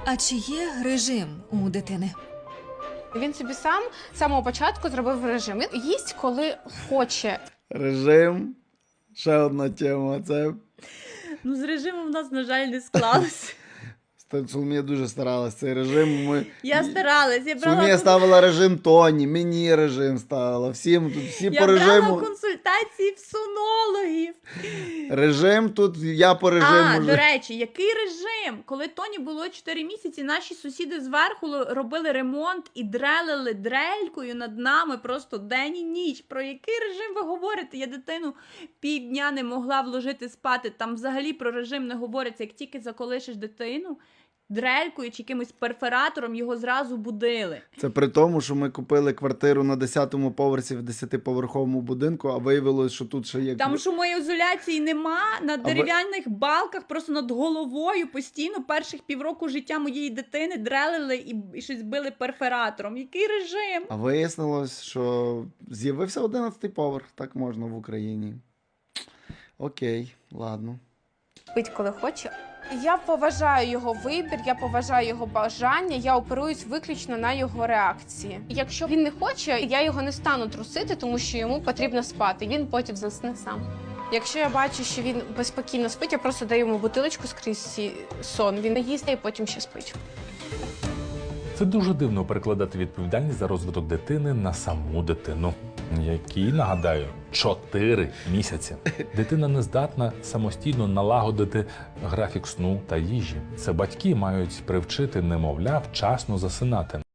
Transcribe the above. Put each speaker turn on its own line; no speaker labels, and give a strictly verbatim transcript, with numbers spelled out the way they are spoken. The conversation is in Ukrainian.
А чи є режим у дитини?
Він собі сам з самого початку зробив режим. Він їсть, коли хоче.
Режим. Ще одна тема. Це
Ну, з режимом в нас, на жаль, не склалося.
Соломія дуже старалась. Цей режим ми...
Я старалась, я брала,
Соломія ставила режим Тоні, мені режим ставила. Всім тут всі
я
по режиму.
брала консультації в сонологів.
Режим тут, я по режиму.
А,
ж-
до речі, який режим? Коли Тоні було чотири місяці, наші сусіди зверху л- робили ремонт і дрелили дрелькою над нами просто день і ніч. Про який режим ви говорите? Я дитину півдня не могла вложити спати. Там взагалі про режим не говориться. Як тільки заколишиш дитину, дрелькою чи якимось перфоратором його зразу будили.
Це при тому, що ми купили квартиру на десятому поверсі в десятиповерховому будинку, а виявилось, що тут ще є...
Там шумоізоляції нема, на
ви-
дерев'яних балках, просто над головою постійно перших півроку життя моєї дитини дрелили і, і щось били перфоратором. Який режим?
А вияснилось, що з'явився одинадцятий поверх. Так можна в Україні. Окей, ладно.
Пить, коли хоче. Я поважаю його вибір, я поважаю його бажання, я оперуюсь виключно на його реакції. Якщо він не хоче, я його не стану трусити, тому що йому потрібно спати. Він потім засне сам. Якщо я бачу, що він безпокійно спить, я просто даю йому бутилочку скрізь сі- сон. Він не їсть і потім ще спить.
Це дуже дивно перекладати відповідальність за розвиток дитини на саму дитину, якій, нагадаю, чотири місяці. Дитина не здатна самостійно налагодити графік сну та їжі. Це батьки мають привчити немовля вчасно засинати.